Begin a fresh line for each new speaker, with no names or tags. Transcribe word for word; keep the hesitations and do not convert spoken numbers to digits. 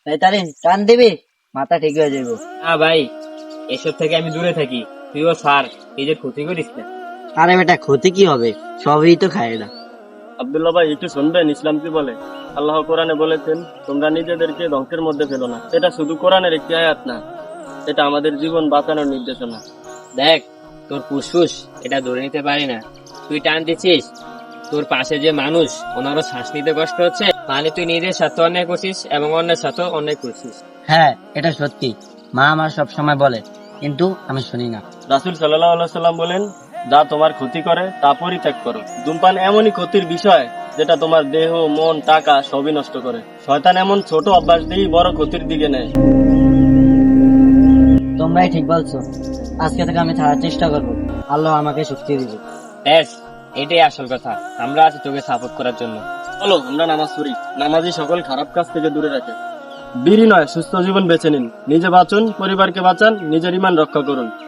তাহলে টান দিবি, মাথা ঠিক হয়ে যাবো।
না ভাই, এসব থেকে আমি দূরে থাকি। তুইও সার, নিজের ক্ষতি করিস না।
আরে বেটা, ক্ষতি কি হবে, সবই তো খায় না।
আব্দুল্লাহ ভাই একটু শুনবেন, ইসলাম কি বলে? আল্লাহ কোরআনে বলেছেন, তোমরা নিজেদেরকে ধ্বংসের মধ্যে ফেলো না। এটা শুধু কোরআনের একটি আয়াত না, এটা আমাদের জীবন বাঁচানোর নির্দেশনা।
দেখ, তোর ফুসফুস এটা ধরে নিতে পারি না, তুই টান দিচ্ছিস। তোর পাশে যে মানুষ, ওনারও শ্বাস নিতে কষ্ট হচ্ছে, মানে তুই নিজের সাথে অন্যায় করছিস এবং অন্যের সাথে অন্যায় করছিস।
হ্যাঁ, এটা সত্যি। মা আমার সব সময় বলে, কিন্তু আমি শুনি না।
রাসূল সাল্লাল্লাহু আলাইহি সাল্লাম বলেন, যা তোমার ক্ষতি করে তা পরিত্যাগ করো। ধূমপান এমনই ক্ষতির বিষয় যেটা তোমার দেহ, মন, টাকা সবই নষ্ট করে। শয়তান এমন ছোট অভ্যাস দিয়েই বড় ক্ষতির দিকে নেয়।
তোমরাই ঠিক বলছো, আজকে থেকে আমি ছাড়ার চেষ্টা করবো। আল্লাহ আমাকে শক্তি দিবে।
ব্যাস, এটাই আসল কথা। আমরা আছি তোকে সাপোর্ট করার জন্য।
চলো আমরা নামাজ পড়ি। নামাজই সকল খারাপ কাজ থেকে দূরে রাখে। বিড়ি নয়, সুস্থ জীবন বেছে নিন। নিজে বাঁচুন, পরিবারকে বাঁচান, নিজের ঈমান রক্ষা করুন।